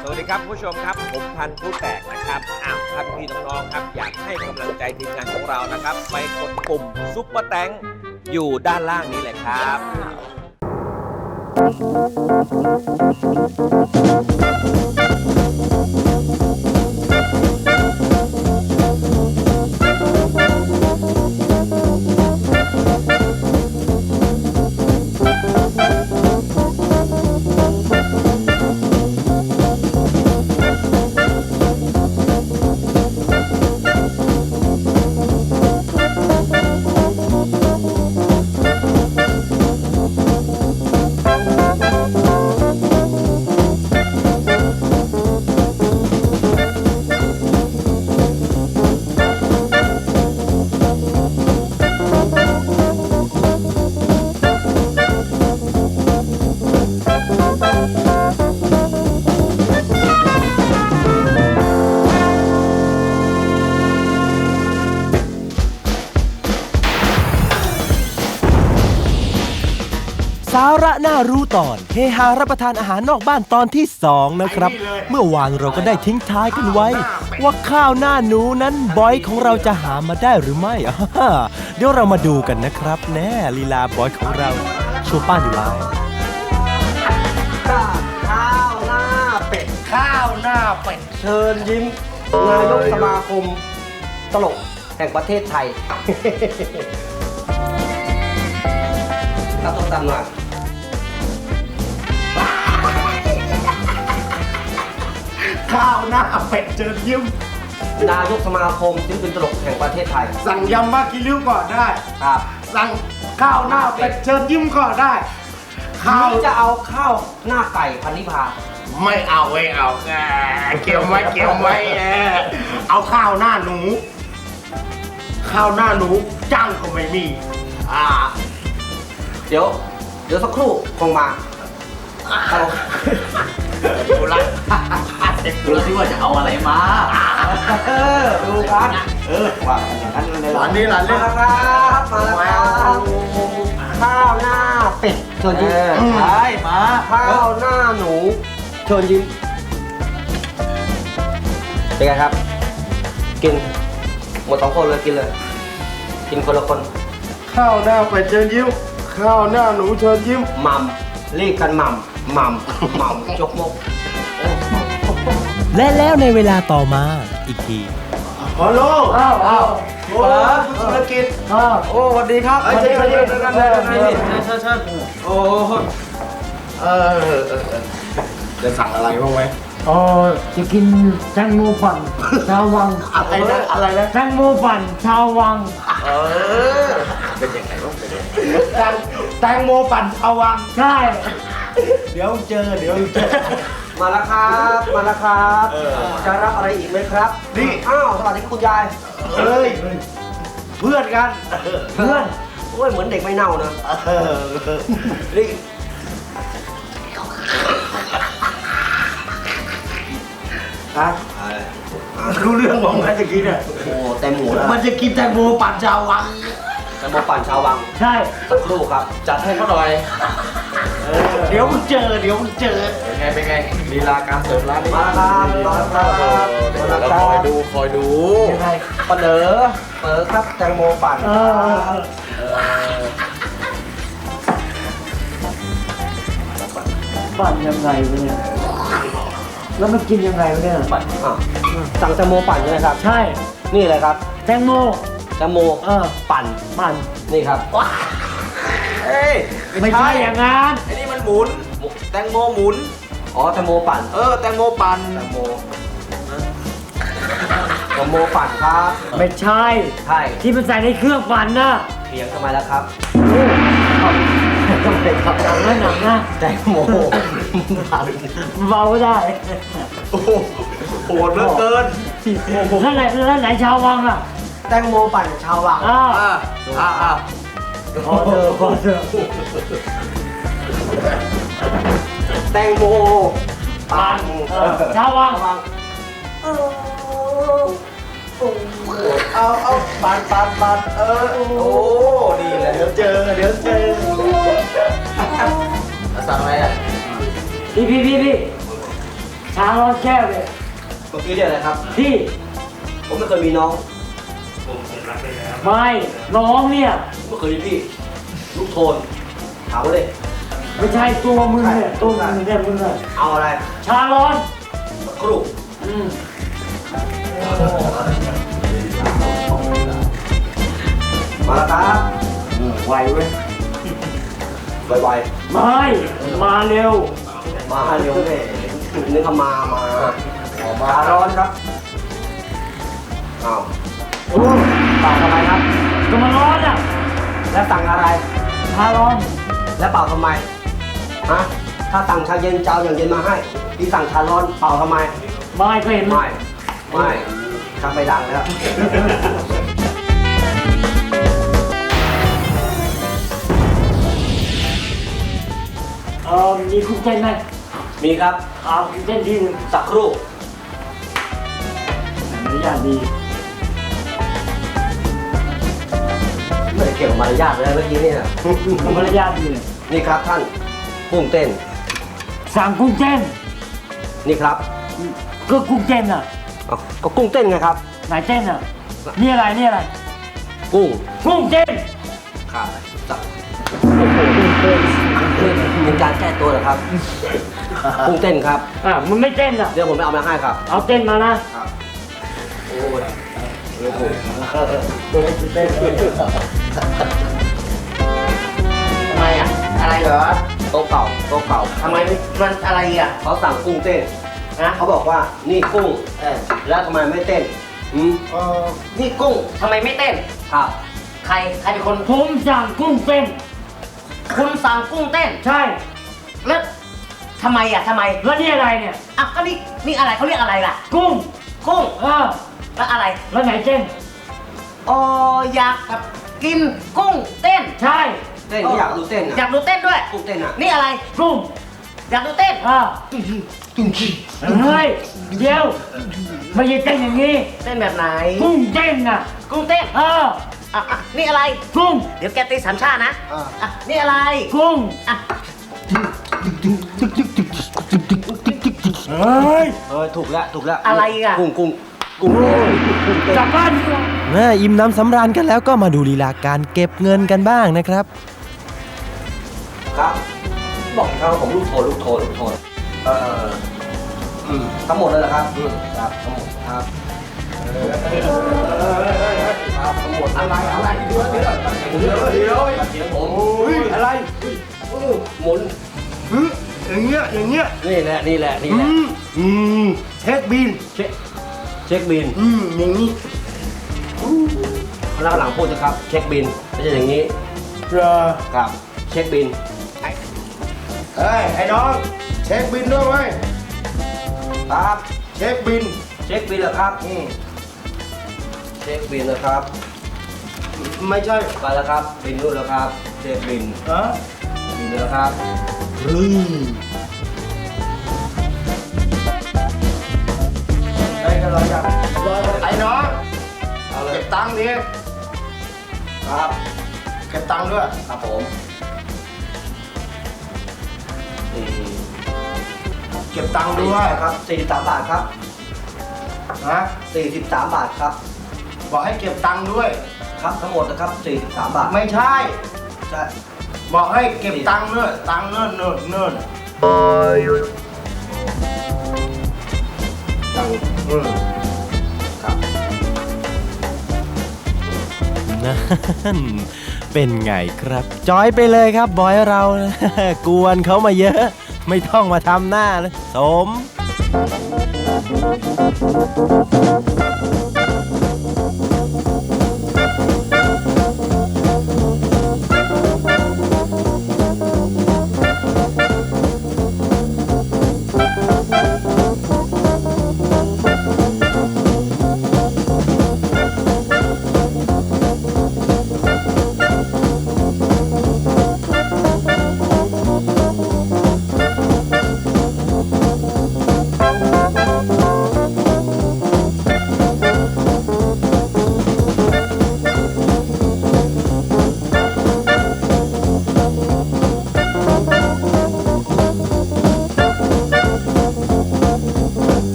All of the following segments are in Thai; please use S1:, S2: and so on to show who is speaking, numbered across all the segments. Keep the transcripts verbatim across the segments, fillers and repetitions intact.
S1: สวัสดีครับผู้ชมครับผมพันธุ์ผู้แตกนะครับอ้าวท่านพี่น้องๆครับอยากให้กำลังใจทีมงานของเรานะครับไปกดปุ่มซุปเปอร์แตงอยู่ด้านล่างนี้เลยครับ
S2: สาระน่ารู้ตอนเฮฮารับประทานอาหารนอกบ้านตอนที่สองนะครับเมื่อวานเราก็ได้ทิ้งท้ายกันไว้ว่าข้าวหน้าหนูนั้นบอยของเราจะหามาได้หรือไม่เดี๋ยวเรามาดูกันนะครับแน่ลีลาบอยของเราชูป้าอยู่แล้ว
S3: ข้าวหน้าเป็ดข้าวหน้าเป็ดเชิญยิ้มนายกสมาคมตลกแห่งประเทศไทยรับต้มตำหน่อยข้าวหน้าเป็ดเชิญยิ้มนายกสมาคมศิลปินตลกแห่งประเทศไทย
S4: สั่งยำมากิริ้วก่อนได้
S3: ครับ
S4: สั่งข้าวหน้าเป็ดเชิญยิ้มก่อนได้ข้าว
S3: จะเอาข้าวหน้าไก่พันนิพา
S4: ไม่เอาไม่เอาแกเกี่ยวไว้เกี่ยวไว้เอาข้าวหน้าหนูข้าวหน้าหนูจ้างก็ไม่มีอ่า
S3: เดี๋ยวเดี๋ยวสักครู่คงมาเอา
S4: ดูละ
S3: ดูสิว่าจะเอาอะไรมาเออดูกันเออว่าอย่างนั้นเลย
S4: หลานนี่หลานเล่น
S3: มาครับมาแล้วครับข้าวหน้าเป็ดเชิญยิ้มใช่มาข้าวหน้าหนูเชิญยิ้มเป็นไงครับกินหมดสองคนเลยกินเลยกินคนละคน
S4: ข้าวหน้าเป็ดเชิญยิ้มข้าวหน้าหนูเชิญยิ้ม
S3: มัมรีบกันมัมมัมมัมจกมก
S2: และแล้วในเวลาต่อมาอีกที
S4: ฮัลโหลอ้าวอ้าวโอ้ธุรกิจอ้าวโอ้สวัสดีครับเชิญเชิญเชิญเชิญเชิญเชิญเชิญเชิญโอ้เออจะสั่งอะไรบ้างไหม
S5: อ๋อจะกินแตงโมปั่นชาววัง
S4: อะไรนะอะไรนะ
S5: แตงโมปั่นชาววัง
S4: เออเป็นยังไงบ้างเป็นยังไงแตงโมปั่นชาววัง
S5: ใช่
S4: เดี๋ยวเจอเดี๋ยวเจอ
S3: มาแล้วครับมาแล้วครับจะรับอะไรอีกไหมครับนี่อ้าวสวัสดีคุณยาย
S4: เฮ้ยเพื่อนกัน
S3: เพื่อนโอ้ยเหมือนเด็กไม่เน่านะนี่ฮะ
S4: รู้เรื่องบอกไหมจะกินอ่ะ
S3: โอ้แตงโมแล้ว
S4: มันจะกินแตงโมปั่นชาววัง
S3: แตงโมปั่นชาววัง
S5: ใช่
S3: สักครู่ครับจัดให้เขาหน่อย
S4: เดี๋ยวมึงเจอเดี๋ยวมึงเจอ
S1: เป็นไงเป็นไงลีลาการเสิร์ฟร้านนี้
S3: มาครับมาครับมาครับ
S1: คอยดูคอยดู
S3: ยังไงเปนเดอเปิดครับแตงโมปั่น
S5: ปั่นยังไงวะเนี่ยแล้วมันกินยังไงวะเนี่ย
S3: ปั่นสั่งแตงโมปั่นใช่ไหมครับ
S5: ใช่
S3: นี่เลยครับ
S5: แตงโม
S3: แตงโม
S5: เออ
S3: ปั่น
S5: ปั่น
S3: นี่ครับ
S1: เอ้ย
S5: ไม่ใช่อย่างงั้น
S1: ไอ้นี่มันหมุนแตงโมหมุน
S3: อ๋อแตงโมปั่น
S1: เออแตงโมปั่น
S3: แตงโมแตงโมปั่นครับ
S5: ไม่ใช่
S3: ใช่
S5: ที่มันใส่ในเครื่องปั่นน่ะ
S3: เถียงทำไมล่ะครับ
S5: ต้องเป็นขับหนังนะหนังนะ
S3: แตงโม
S5: เบาได้
S1: โอ้โหโหดเหลือเกิน
S5: แล้วไหนแล้วไหนชาววังอ่ะ
S3: แตงโมปั่นชาววัง
S5: อ้าว
S1: อ่าอ่า
S5: พอเถอะพอเถอะ
S3: แตงโมปั่น
S5: ชาววัง
S4: เอาเอาปั่นปั่นปั่นเออโอ้นี่แหละเดี๋ยวเจอเดี๋ยวเจอ
S3: สั่งอะไรอ่ะ
S5: พี่พี่พี่พี่ชาร้อนแก้วเลย
S3: เมื่อกี้เรียกอะไรครับ
S5: พี่
S3: ผมไม่เคยมีน้อง
S5: ไม่น้องเนี่ย
S3: ไม่เคยมีพี่ ลูกโทน ถามมาเลย
S5: ไม่ใช่ตัวมึงเนี่ยตัวมึงเนี่ยมึงเนี่ย
S3: เอาอะไร
S5: ชาร้อน
S3: สักครู่
S5: อืม
S3: มาแล้วครับ
S5: ไหวเว้ย
S3: ไว
S5: ไม่มาเร็ว
S3: ๆ มาเร็วเลยนึกว่ามา มามาร้อนครับอ้าวโอ้เป่าทำไมครับ
S5: ก็มาร้อนอ่ะ
S3: แล้วสั่งอะไร
S5: ชาร้อน
S3: แล้วเป่าทำไม ฮะ ถ้าสั่งชาเย็นเจ้าอย่างเย็นมาให้ พี่สั่งชาร้อนเป่าทำไม
S5: ไม่ก็เห็น
S3: ไม่ ไม่ทำไปดังแล้ว
S5: เออมีกุ้งเต้นไหม
S3: มีครับ
S5: เอากุ้งเต้นที่หนึ่ง
S3: สักครู่
S5: มารยาทดี
S3: ไม่ได้เกี่ยวกับมารยาทเลยเมื่อกี้นี่นะ
S5: มารยาทดีเลย
S3: นี่ครับท่านกุ้งเต้น
S5: สั่งกุ้งเต้น
S3: นี่ครับ
S5: ก็กุ้งเต้นอ่ะ
S3: อ้าวก็กุ้งเต้นไงครับ
S5: ไหนเต้นอ่ะนี่อะไรนี่อะไร
S3: กุ้ง
S5: กุ้งเต้น
S3: ครับสักโอ้โหกุ้งเต้นเป็นการแก้ตัวเหรอครับ กุ้งเต้นครับ
S5: อ่ะมันไม่เต้นอ่ะ
S3: เดี๋ยวผมไปเอามาให้ครับ
S5: เอาเต้นมานะ
S3: ครับ โอ้ยโอ้โห
S4: ทำไมอ่ะ อะไรเหรอ
S3: โต๊ะเก่าโต๊ะเก่า
S4: ทำไมมันอะไรอ่ะ
S3: เขาสั่งกุ้งเต้น
S4: นะ
S3: เขาบอกว่านี่กุ้ง
S4: เออ
S3: แล้วทำไมไม่เต้นอืม
S4: เออนี่กุ้งทำไมไม่เต้น
S3: ครับ
S4: ใครใครเป็นคน
S5: ผมสั่งกุ้งเต้น
S4: คุณสั่งกุ้งเต้น
S5: ใช่
S4: แล้วทำไมอ่ะทำไม
S5: แล้วนี่อะไรเนี่ย
S4: อ่ะก็นี่นี่อะไรเขาเรียกอะไรล่ะ
S5: กุ้ง
S4: กุ้ง
S5: เออ
S4: แล้วอะไร
S5: แล้วไหนเต้น
S4: อ๋ออยากแบบกินกุ้งเต้น
S5: ใช่
S3: เต้นก็อยากดูเต้น
S4: อยา
S3: อ่ะ
S4: กดูเต้นด้วย
S3: กุ้งเต้นอ่ะ
S4: นี่อะไร
S5: กุ้ง
S4: อยากดูเต้น
S5: อ่าเฮ้ยเดี๋ยวไม่ใช่เต้นอย่างนี้
S4: เต้นแบบไหน
S5: กุ้งเต้นน่ะ
S4: กุ้งเต้น
S5: เออ
S4: อ่ะอ่ะนี่อะไร
S5: กุ้ง
S4: เดี๋ยวแกตีสามชาตินะอ่ะนี่อะไร
S5: กุ้ง
S4: อ่ะ
S5: เฮ้ย
S3: เออถูกแล้วถูกแล้ว
S4: อะไรอ่ะ
S3: กุ้งกุ้งกุ้งกุ้งเต้น
S5: กลับบ้านดีกว่า
S2: แม่อิ่มน้ำสำราญกันแล้วก็มาดูลีลาการเก็บเงินกันบ้างนะครับ
S3: ครับ บอกเขาผมลูกโทนลูกโทนลูกโทนเอออืมทั้งหมดเลยเหรอครับอืมครับทั้งหมดครับเออครับทั้งหมดอะไรอะไรเดี๋ยวเดี๋ยวเดี๋ยวเดี๋ยวเดี๋ยวผมอะไรหมุน
S6: อย่างเงี้ยอย่างเงี้ย
S3: นี่แหละนี่แหละนี่แหละ
S6: อืมเช็คบิน
S3: เช็คเช็คบิน
S6: อืมอย่างนี้
S3: แล้วหลังพูดนะครับ เช็คบินไม่ใช่อย่างนี้
S6: เหรอ
S3: ครับ เช็คบิน
S6: เฮ้ยไอ้น้องเช็คบินด้วยไหม
S3: ครับ
S6: เช็คบิน
S3: เช็คบินเหรอครับ
S6: อืม
S3: เช็คบินนะครับ
S6: ไม่ใช่
S3: ไปแล้วครับบินนู่นแล้วครับเช็คบิน
S6: ฮะ
S3: บินแล้วครับ
S6: อืมไอ้กระไรกันไอ้น้อง
S3: เอาเลย
S6: เก็บตังค์ดิ
S3: ครับ
S6: เก็บตังค์ด้วย
S3: ครับผมนี่
S6: เก็บตังค์
S3: ด้
S6: ด้
S3: ว
S6: วย ย
S3: ครับสี่สิบสามบาทครับ
S6: ฮะ
S3: สี่สิบสามบาทครับ
S6: บอกให้เก็บตังค์ด้วย
S3: ครับทั้งหมดนะครับสี่สิบสามบาท
S6: ไม่ใช่
S3: ใช่
S6: บอกให้เก็บตังค์ด้วยตังค์เนิ่นเนิ่นเนิ่น
S3: ตังค์
S6: อืม
S3: ครับ
S2: นั่นเป็นไงครับ จอยไปเลยครับบอยเรา กวนเขามาเยอะ ไม่ต้องมาทำหน้าเลยสม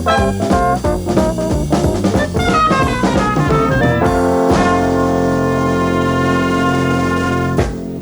S6: ครับ